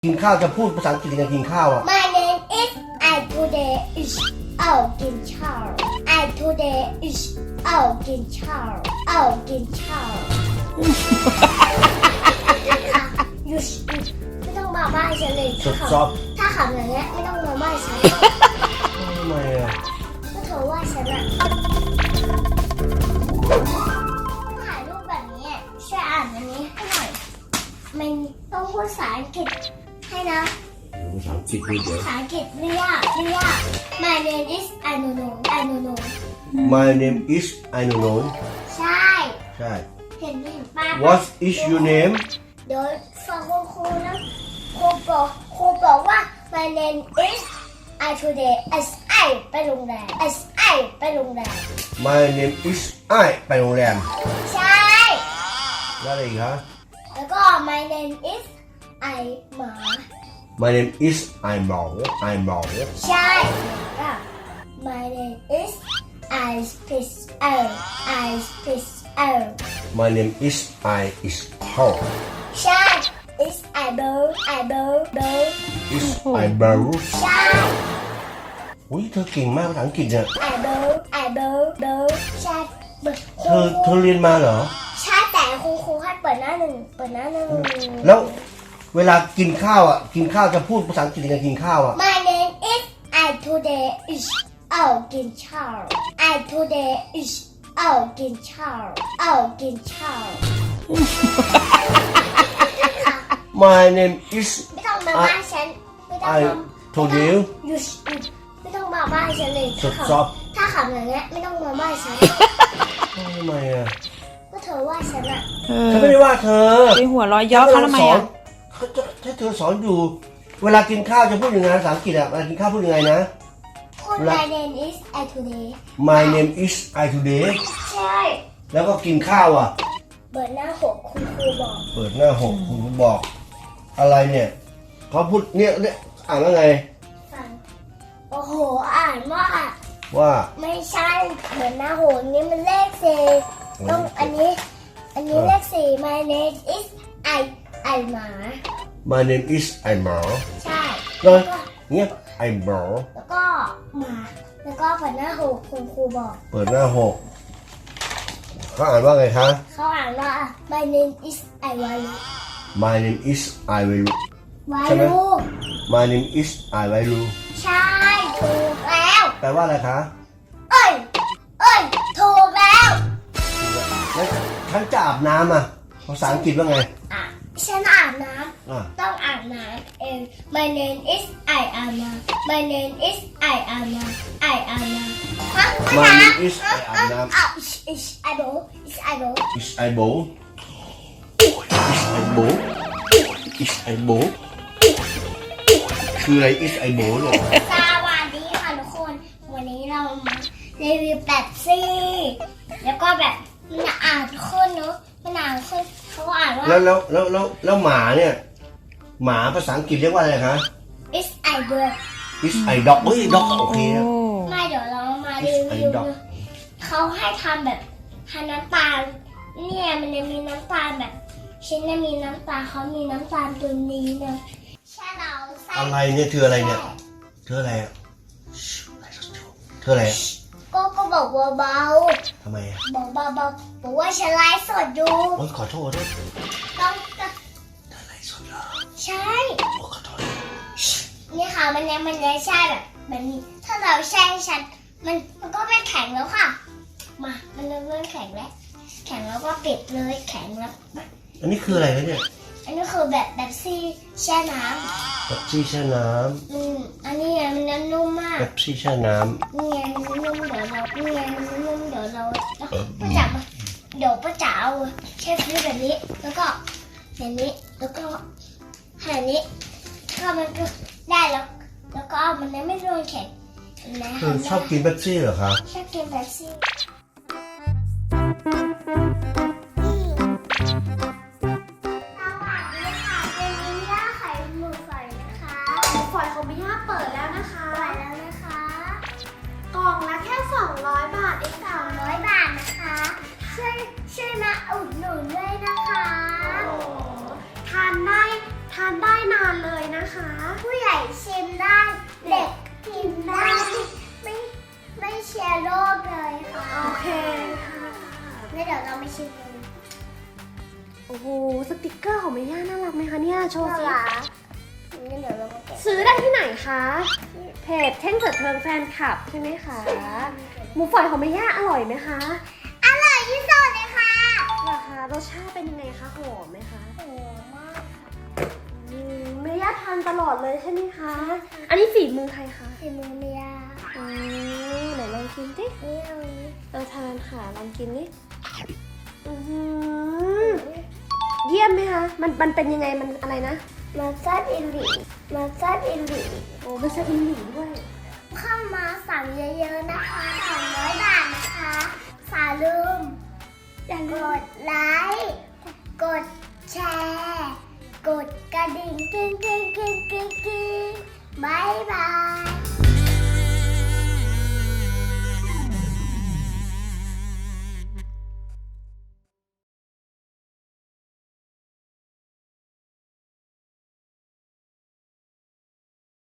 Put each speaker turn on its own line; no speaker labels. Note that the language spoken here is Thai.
กินข้าวจะพูดภาษาอังกฤษยังไงกินข้าวอ่ะ
My name is I today is เอากินข้าว I today is เอากินข้าวเอากินข้าวหยุดไม่ต้องมาบ้านฉันเลย
ซอฟ
ถ้าขับอย่างเงี้ยไม่ต้องมาบ้านฉัน
ทำไมอ่ะ
ก็เธอว่าฉันอะถ่ายรูปแบบนี้ช่วยอ่านอันนี้ให้หน่อยมันต้องพูดภาษาอังกฤษให้นะ
ภาษาอังกฤษพูดเดี๋ยว
ภาษาอังกฤษไม่ยากไม่ยาก My name is I don't know I don't know
My name is I don't know
ใช่
ใช่
เห็นป้า
What is your name
เดี๋ยวฟังครูนะครูบอกว่า My name is I today as I ไปโรงแรม as I ไปโรงแรม
My name is I ไปโรงแรม
ใช่
แล้วอะไรอีกฮะ
แล้วก็ My name is I หมา
My name is I หมอ I หมอ
ใช่แล้ว My name is I fish I fish
My name is I is Paul
ใช่ is I bird
is I Barrow
ใช่
อุ้ยเธอเก่งมากภาษาอังกฤษเนี่ย
I bird ใช่
เธอเรียนมาเหรอ
ใช่แต่ครูให้เปิดหน้าหนึ่ง
แล้วเวลากินข้าวอ่ะกินข้าวจะพูดภาษาอังกฤษยังไงกินข้าวอ่ะ
My name is I today is เอากินข้าว I today is เอากินข้าวเอากินข้าว
My name is
ไม่ต้องมาบ้านฉันไม่ต้อง
I told you
หยุดไม่ต้องมาบ้านฉันเลย
ซอฟ
ถ้าขับอย่างเงี้ยไม่ต้องมาบ้านฉัน
ทำไมอ่ะ
ก็เธอว่าฉันอะ
ฉันไม่ได้ว่าเธอ
ไปหัวเร้อยย่อเขาทำไมอ่ะ
ถ้าเธอสอนอยู่ เวลากินข้าวจะพูดยังไงภาษาอังกฤษอ่ะเวลากินข้าวพูดยังไงนะ
คุณ My name is I today
My name is I today
ใช่
แล้วก็กินข้าวอ่ะ
เปิดหน้าหกคุณครูบอก
เปิดหน้าหกคุณบอก อะไรเนี่ยเขาพูดเนี่ยอ่านว่าไง
ฟังโอ้โหอ่านว่า
ว่า
ไม่ใช่เหมือนหน้าโหนนี่มันเลขสี่ต้องอันนี้เลขสี่ My name is I หมา
My name is I หมอ
ใช่
แล้วเนี่ย I หมอ
แล้วก็หมาแล้วก็เปิดหน้าหกคุณครูบอก
เปิดหน้าหกเขาอ่านว่าไงคะ
เขาอ่านว่า My name is I วารุ
My name is I วารุ
วา
ใช่ไหม
รุ
My name is I วารุ
ใช่ถูกแล้ว
แปลว่าอะไรคะ
เอ้ยถูกแล้ว
แล้วฉันจะอาบน้ำอ่ะภาษาอังกฤษว่าไง
อ่ะฉันอาบน้
อ่ะ
ำต้องอาบน้ำเอง My name is I อาบน้ำ My name is I อาบน้ำ I อาบน้ำฮะ
My name is I อาบน้ำ
อ้าว is I bowl is I bowl
is I bowl is I bowl is I bowl คืออะไร is I bowl เนี่ย
สวัสดีค่ะทุกคน วันนี้เรามารีวิวแป๊บซี่แล้วก็แบบมันอ่านขึ้นเนอะมันอ่านขึ้นเขาอ่านว่า
แล้วหมาเนี่ยหมาภาษาอังกฤษเรียกว่าอะไรคะ
is I dog
is I dog เฮ้ย dog โอเคนะ
ไม่เดี๋ยวเรามารีวิว
is I dog
เขาให้ทำแบบทานน้ำตาลเนี่ยมันจะมีน้ำตาลแบบฉันจะมีน้ำตาลเขามีน้ำตาลตัวนี้นะใช่เราใส่
อะไรเนี่ยเธออะไรเนี่ยเธออะไรอ่ะเธออะไรอ่ะ
ก็บอกเบา
ทำไมอ่ะ
ๆบอกเบาๆบอกว่าฉันไลฟ์สดอยู่
โอ๊ยขอโทษด้วย
ต้อง
เธออะไรสดเหรอ
ใช่
โอ้ขอโทษ
นี่ค่ะมันยังใช่แบบนี้ถ้าเราแช่ฉันมันก็ไม่แข็งแล้วค่ะมามันเริ่มแข็งแล้วแข็งแล้วก็ปิดเลยแข็งแล้ว
อันนี้คืออะไรนะเนี่ย
อันนี้คือแบบซี่แช่น้
เป๊ปซี่แช่น้
อันนี้มันนุ่มมาก
ำเป๊ปซี่แช่น้
นี่ไงมันนุ่มเดี๋ยวเรานี่ไงมันนุ่มเดี๋ยวเราป้าจ๋ามาเดี๋ยวป้าจ๋าเอาแช่ฟรีซแบบนี้แล้วก็แบบนี้แล้วก็แบบนี้ก็มันก็ได้แล้วก็มันไม่โดนแข็งนะ
ำเธอชอบกินเป๊ปซี่เหรอคะ
ชอบกินแบบซี่
ฝอยของมิย่าเปิดแล้วนะคะ
ไปแล้วนะคะ
กล่องละแค่ 200 บาทเองค่ะ
200 บาทนะคะช่วยมาอุดหนุนด้วยนะคะ
ทานได้ทานได้นานเลยนะคะ
ผู้ใหญ่ชิมได้เด็กกินได้ไม่เชียร์โรคเลยค่ะ
โอเคค่ะ
งั้นเดี๋ยวเราไปชิมกัน
โอ้โหสติกเกอร์ของเมย่าน่ารักไหมคะเนี่ยโชว์
น่า
สิ
รักงั้นเดี๋ยวเรามาแกะ
ซื้อได้ที่ไหนคะเพจเท่งเถิดเทิงแฟนคลับใช่ไหมคะหมูฝอยของเมย่าอร่อยไหมคะ
อร่อยที่สุดเลยค่ะ
เหรอคะรสชาติเป็นยังไงคะหอมไหมคะ
โอ้มาก
เมย่าทานตลอดเลยใช่ไหมคะ อันนี้ฝีมือใครคะ
สีมือเมีย
ไหนลองกินดิ
นี่เอานี้
เอาทานค่ะลองกินดิอื้อหือเยี่ยมไหมคะ มันเป็นยังไงมันอะไรนะ
มาซัดอินดิมาซัดอินดิ
โอ้เป็นสอินหลีด้วย
เข้ามาสั่งเยอะๆนะคะ200 บาทนะคะอย่าลืม
อย่าก ลืม
ดไลค์ กดแชร์ กดกระดิ่งกิ้งกิ้งกิ้งกิ้งกิ้งบายบาย